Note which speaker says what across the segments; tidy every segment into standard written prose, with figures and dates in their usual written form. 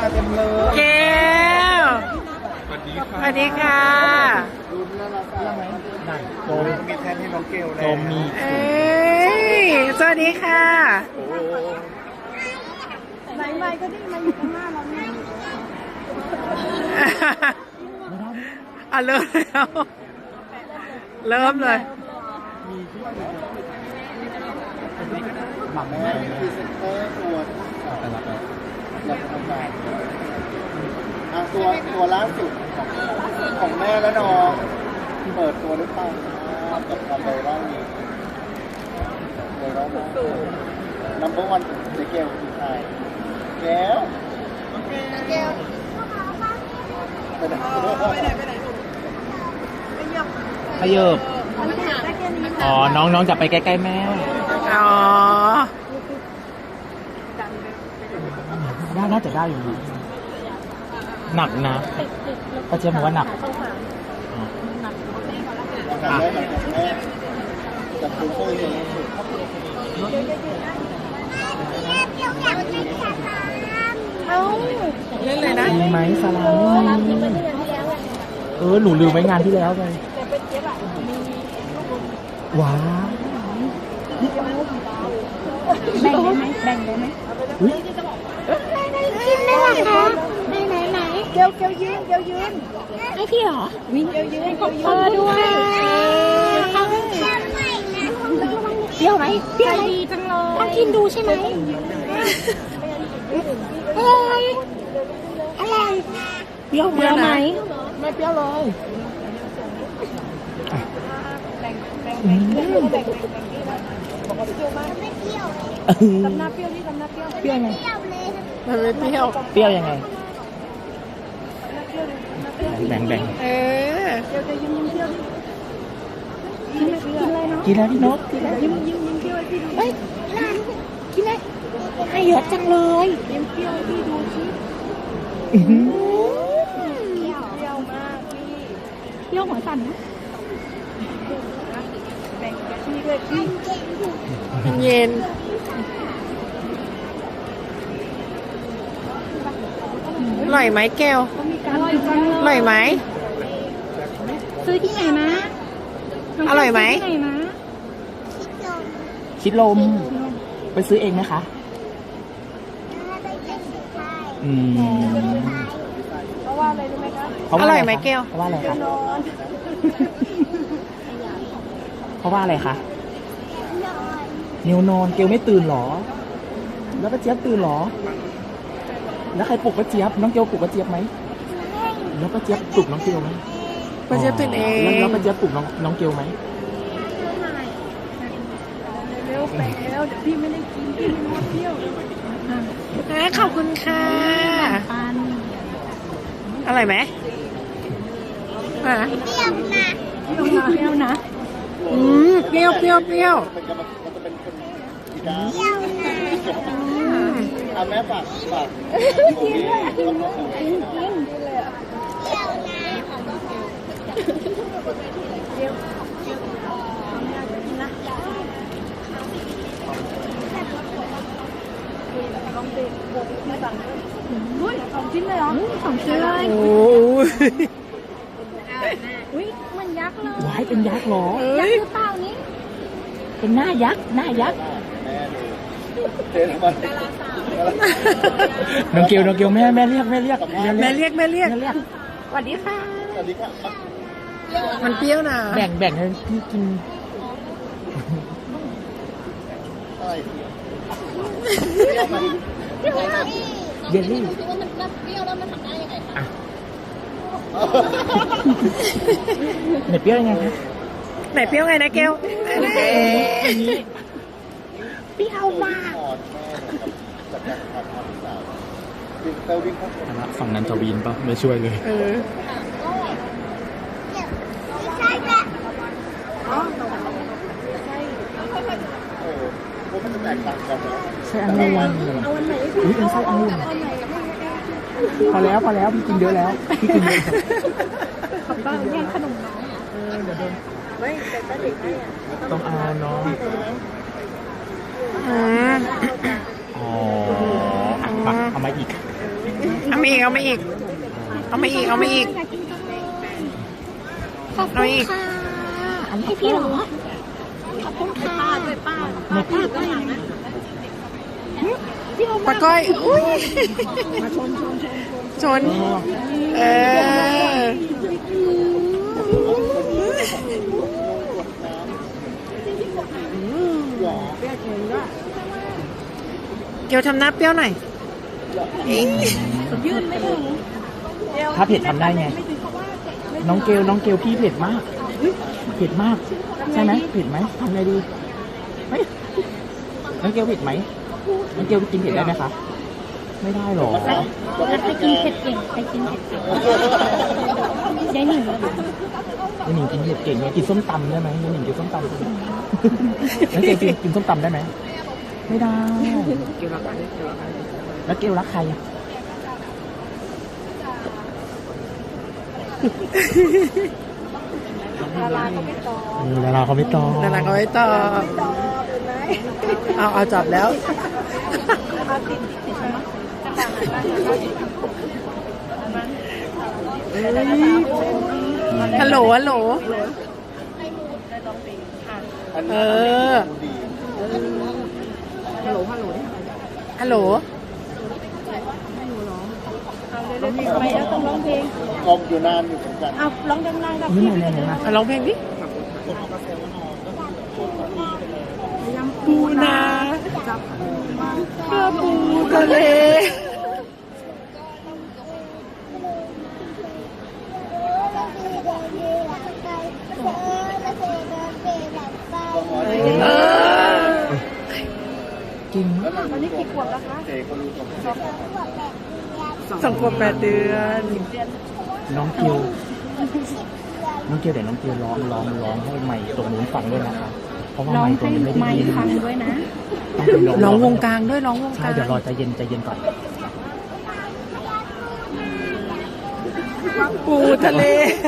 Speaker 1: เต็มเลย
Speaker 2: แก้วสวัสดีค่ะ
Speaker 1: ดูน่ารักเรื่องไหมนั่นโดมมีแทนให้น้องเกลแล้วโดมมี
Speaker 2: เอ้ยสวัสดีค่ะ
Speaker 3: ไหนไม่ก็ได้มาอยู่ข้างหน้าเราเนี่ย
Speaker 2: อ่ะเริ่มแล้วเริ่มเลย
Speaker 1: หม่ำแม่พรีเซนเตอร์ตัวเราทำงานตัวล่าสุดของแม่และน้องเปิดตัวด้วยกันกับความไวรัลนี้ไวรัลมากนัมเบอร์วันเจเกลคือใครแก้วแก้วไปไหน
Speaker 4: ขยับอ๋อ น้องจะไปใกล้ๆแม่
Speaker 2: อ๋อ
Speaker 4: น่าจะได้อยู่นะหนักนะป้าเจี๊ยบบอกว่าหนัก
Speaker 1: แม่จากคุณเพื่อน
Speaker 2: เล่นเลยนะ
Speaker 4: มีไหมสลามหนูลืมไว้งานที่แล้วไปว้าว
Speaker 3: แบ่งได้ไหมแบ่งได้ไหม
Speaker 4: อุ๊ย
Speaker 3: กินได้หรอคะไหนเดี๋ยวยืนให้พี่เหรอวิ่งเดี๋ยวยืนด้วยเปรี้ยวไหมเปรี้ยวดีจังเลยต้องกินดูใช่ไหมอะไรเปรี้ยวไหมไม่เปรี้ยวเลยทำหน้าเปรี้ยวนี่ทำหน้าเปรี้ยว
Speaker 4: เปรี้ยวไง
Speaker 2: มันไม่เปรี้ยว
Speaker 4: เปรี้ยวยังไง แบ่ง
Speaker 2: เออ
Speaker 3: เดี๋ยวจะยิ้มเปรี้ยวกินอะไรเนาะ
Speaker 4: กินแล้วพี่นก
Speaker 3: ยิ้มเปรี้ยวให้พี่ดู
Speaker 5: เฮ้ยหลานกินเลยให้เยอะจังเลย
Speaker 3: ยิ้มเปรี้ยวให้พี่ดูสิ
Speaker 4: อื้อหือ
Speaker 3: เปรี้ยวมากพี่
Speaker 5: เปรี้ยวหัวสั่นนะ
Speaker 3: แบ่งกับพี่ด้วยพี่
Speaker 2: เย็นอร่อยไหมแก้ว
Speaker 3: อร่อยจัง
Speaker 2: อร่อยไหม
Speaker 5: ซื้อที่ไหนมา
Speaker 2: อร่อยไหม
Speaker 5: ซื้ที่ไหนมา
Speaker 4: ชิดลม ไปซื้อเองไหมคะ อืม
Speaker 3: เพราะว่าอะไรรู้ไหมคะ
Speaker 2: อร่อยไหมแก้ว
Speaker 4: เพราะว่าอะไรคะ
Speaker 3: นอน
Speaker 4: เพราะว่าอะไรคะเนวนอนเกลไม่ตื่นหรอ แล้วป้าเจี๊ยบตื่นหรอ แล้วใครปลุกป้าเจี๊ยบ น้องเกลปลุกป้าเจี๊ยบไหม แล้วป้าเจี๊ยบปลุกน้องเกลไหม
Speaker 2: ป้าเจี๊ยบตื่นเอง
Speaker 4: แล้วป้าเจี๊ยบปลุกน้องเกลไหม
Speaker 3: เร็วไปแล้วเดี๋ยวพี่ไม่ได้กินพี่ไม่เปรี้ยว
Speaker 2: ขอบคุณค่ะ
Speaker 5: ปัน
Speaker 2: อร่อยไหมอ่ะ
Speaker 3: เปรี้ยวนะ
Speaker 2: เปรี้ยวเปรี้ยวเปรี้ยว
Speaker 1: มันจะเป็นคนอีกาแม่ฝาก
Speaker 3: อุ้ย2 ชิ้นเลยเหรอ
Speaker 5: 2 ชิ้นเลย
Speaker 2: โอ้ย
Speaker 5: อุ้ยเหมันยักษ์เลย
Speaker 4: ว้ายเป็นยักษ์เหรอ
Speaker 5: ยักษ์หรือเปล่านี่
Speaker 4: เป็นหน้ายักษ์ หน้ายักษ์
Speaker 1: เจ๊ทำไม
Speaker 4: น้องเกลแม่เรียก
Speaker 2: แม่เรียกแม่เรียก
Speaker 4: แม่เรียก
Speaker 5: สวัสดีค่ะ
Speaker 1: สวัสดีค่ะ
Speaker 2: มันเปรี้ยวนะ
Speaker 4: แบ่งให้พี่กิน
Speaker 1: อะไร
Speaker 4: เยลลี่ไหนเปรี้ยวยังไงคะ
Speaker 2: ไหนเปรี้ยวไงนะแก้ว
Speaker 5: เปรี้ยวมาก
Speaker 1: จากการทำความสะอาดเตาวิ่งเข้าไป
Speaker 4: ฝั่งนั้นจะวีนป่ะ ไม่ช่วยเลย
Speaker 2: เออ
Speaker 1: เพราะมันจะแตกต่างกันนะ
Speaker 4: ใช่องุ่นอุ้ยเป็นไส้องุ่นพอแล้วพี่กินเยอะแล้วพี่กินเยอะ
Speaker 3: บ้างแย่งขนมน้อง
Speaker 2: ไม่แต่ก็เด็กให้อ่ะ
Speaker 4: ต้องเอาเนาะ
Speaker 2: อืม
Speaker 4: อ๋อมาเอามาอีก
Speaker 2: เอามาอีก เอามาอีก เอามาอีก เอามาอีก
Speaker 3: ขอบคุณค่ะอันนี้ให้พี่เหรอขอบคุณค่ะด้วยป้าก็หลังนะ
Speaker 2: ปะก้อย อุ้ยชน เออ เกียวทำหน้าเปรี้ยวหน่อย
Speaker 4: ถ้าเผ็ดทำได้ไง น้องเกลพี่เผ็ดมาก เผ็ดมาก ใช่ไหมเผ็ดไหมทำไงดีเฮ้ยน้องเกลเผ็ดไหมน้องเกลกินเผ็ดได้ไหมคะไม่ได้หรอ
Speaker 3: แล้วไปกินเผ็ดเก่งไปกินเผ็ดเก่งยายหนิง
Speaker 4: ยายหนิงกินเผ็ดเก่งไงกินส้มตำได้ไหมยายหนิงกินส้มตำได้ไหมน้องเกลกินส้มตำได้ไหมไม่ได้แล้วเกลรักใครอะดาราเขาไม่ตอบ
Speaker 2: ดาราเขาไม่ตอบเอาจับแล้วฮัลโหลฮัลโหลเออฮัลโหล
Speaker 3: ไปแล้วต้องร้องเพลง
Speaker 1: อมอยู่นานอยู่เหมือนกัน
Speaker 3: เอาร้องดังๆกับ
Speaker 4: นี่
Speaker 3: พี่
Speaker 4: ไง
Speaker 2: อ่ะร้องเพลงดิปูนาเพื่อปูทะเลเออ
Speaker 4: จริง
Speaker 1: ตอนนี้กี่ขวบแล้วคะเจ๊เขารู้ตัว
Speaker 2: 2 ขวบ 8 เดือน
Speaker 4: น้องเกลเดี๋ยวน้องเกลร้องให้ไมค์ตรงนู้นฟังด้วยนะคะเพราะว่า
Speaker 3: ร้อง
Speaker 4: ไมค์ตรง
Speaker 3: ให้
Speaker 4: นี้ไม่ได้
Speaker 3: ไม
Speaker 4: ยิน
Speaker 3: ค์ฟังด้วยนะ
Speaker 4: ต้องไป
Speaker 2: ร้องวงกลางด้วยร้องวงก
Speaker 4: ใช่
Speaker 2: ลาง
Speaker 4: เดี๋ยวรอใจเย็นก่อน
Speaker 2: ปูทะเล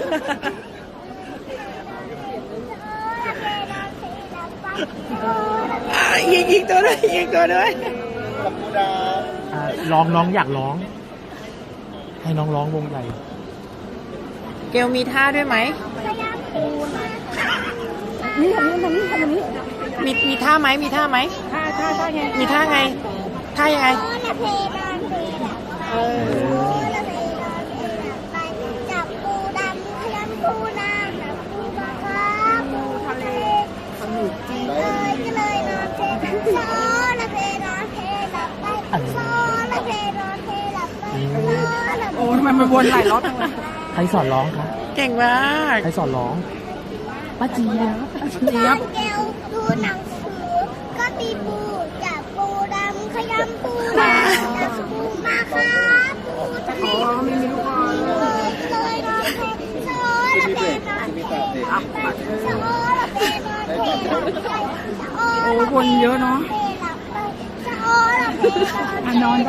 Speaker 2: ยิงตัวด้วยยิงตัวด้วย
Speaker 1: ขอบคุณดา
Speaker 4: น้องอยากร้อง ให้น้องร้องวงใหญ่
Speaker 2: เกลมีท่าด้วยไหม
Speaker 3: นี่ทำนี้
Speaker 2: มีท่าไหมมีท่าไหม
Speaker 3: ท่าไง
Speaker 2: มีท่าไงท่ายังไง
Speaker 3: จับปูดำขยำปูนาปูปลาคาปูทะเลสนุกจริงเลยก็เลยนอนเทซอละเพนอนเทหลับไปซอละเพนอนเทหลับไปซอละเพ
Speaker 2: โอ้ทำไมมันวนหลายรอบจังเลย
Speaker 4: ใครสอนร้องคะ
Speaker 2: เก่งมาก
Speaker 4: ใครสอนร้องป้าเจี๊ยบ
Speaker 3: เจี๊ยบเกลดูหนังสือก็ตีปูจับปูดำขยำปูนาจับปูมาคาปูทะเลไม่มีลูกเลยก็เลยนอนเทซอละเพนอนเทหลับไปซอละเพนอนเทหลับไปซอ
Speaker 2: โอ้วนเยอะเนาะ
Speaker 3: นอนได้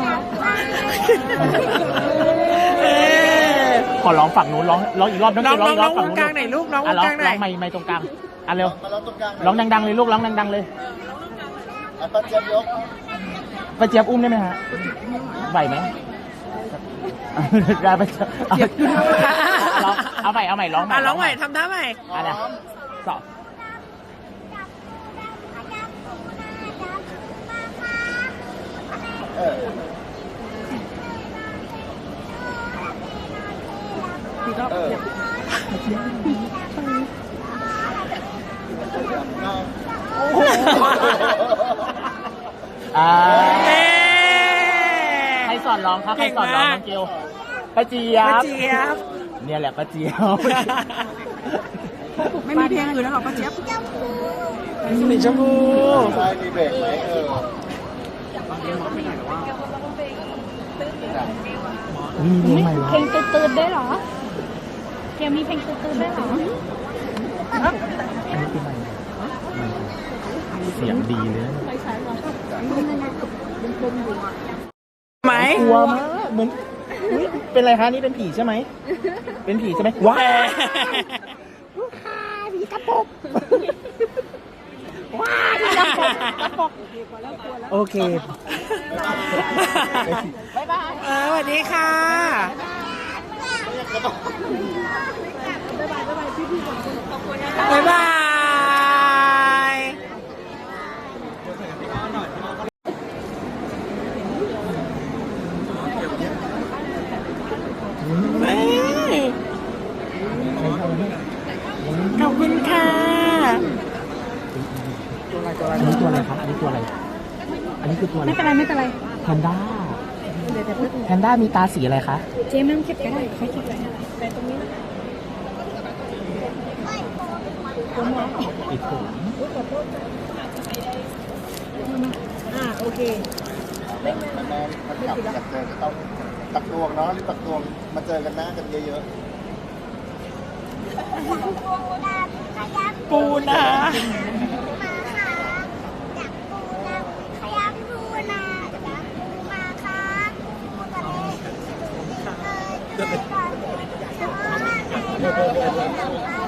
Speaker 4: ขอร้องฝั่งนู้นร้องอีกรอบน้อง
Speaker 2: น้
Speaker 4: เก
Speaker 2: อง
Speaker 4: ลร้อง
Speaker 2: น้
Speaker 4: อี
Speaker 2: อก ง
Speaker 4: รอบ
Speaker 2: ว
Speaker 4: ฝั่งนู้น
Speaker 2: งกลางไหนลูกน้องว
Speaker 4: ร้
Speaker 2: ง
Speaker 4: อง
Speaker 2: กลางไหน
Speaker 4: ไม่ตรงกลางเร็ว
Speaker 1: มาร้องตรงกลาง
Speaker 4: ร้องดังๆเลยลูกร้องดังๆเลย
Speaker 1: ป้าเจี๊ยบยก
Speaker 4: ป้าเจี๊ยบอุ้มได้ไหมฮะไหวไหมได้ป้าเจี๊ยบเอาใหม่ร้องใหม่
Speaker 2: ร้องใหม่ทำท่าใหม่
Speaker 4: อะไรสอบ
Speaker 1: เออ
Speaker 4: ใครสอนร้องครับใครสอนร้องน้องเกลป้าเจี๊ย
Speaker 2: ป้า
Speaker 4: บ
Speaker 2: เจี๊ยบ
Speaker 4: เนี่ยแหละป้าเจี๊ยบ
Speaker 2: ไม่มีเพลงอื่นแล้วหรอป้าเจี๊ยบสีชมพู
Speaker 1: ใช่มีเบรกไหม
Speaker 4: มีเพลงใหม่เหรอ
Speaker 3: เพลงตื่นๆได้เหรอเกลมีเพลงตื่นๆได้เหรอ
Speaker 4: อันนี้คือใหม่เสียงดีเลย
Speaker 2: ไหม
Speaker 4: กลัวมากเหมือนอุ๊ยเป็นไรคะนี่เป็นผีใช่ไหมเป็นผีใช่ไหมว้า
Speaker 3: ผีตะปบ
Speaker 4: โ
Speaker 5: ว้าที่กระปกกระปก
Speaker 4: โอเค
Speaker 5: บ๊ายบาย
Speaker 4: สวัสดีค่ะ บ๊ายบายขอบคุณค่ะ อันนี้ตัวอะไรครับ อันนี้ตัวอะไร อันนี้คือตัวอะไร
Speaker 5: ไม่เป็นไรไม่เป็นไร
Speaker 4: แพนด้า แพนด้ามีตาสีอะไรคะ
Speaker 5: เจ๊ไม่ต้องเก็บก็ได้เขาเก็บไว้แต่ตรงนี้นะ
Speaker 4: ปิดผม
Speaker 5: โอเค
Speaker 1: แม่มันกลับอยากเจอก็ต้องตักตวงเนาะรีบตักตวงมาเจอกันหน้ากันเยอะ
Speaker 4: ปูนา
Speaker 3: ขยับปูนาจับปูมาค่ะปูทะเลเลยก่อนแต่ว่าใน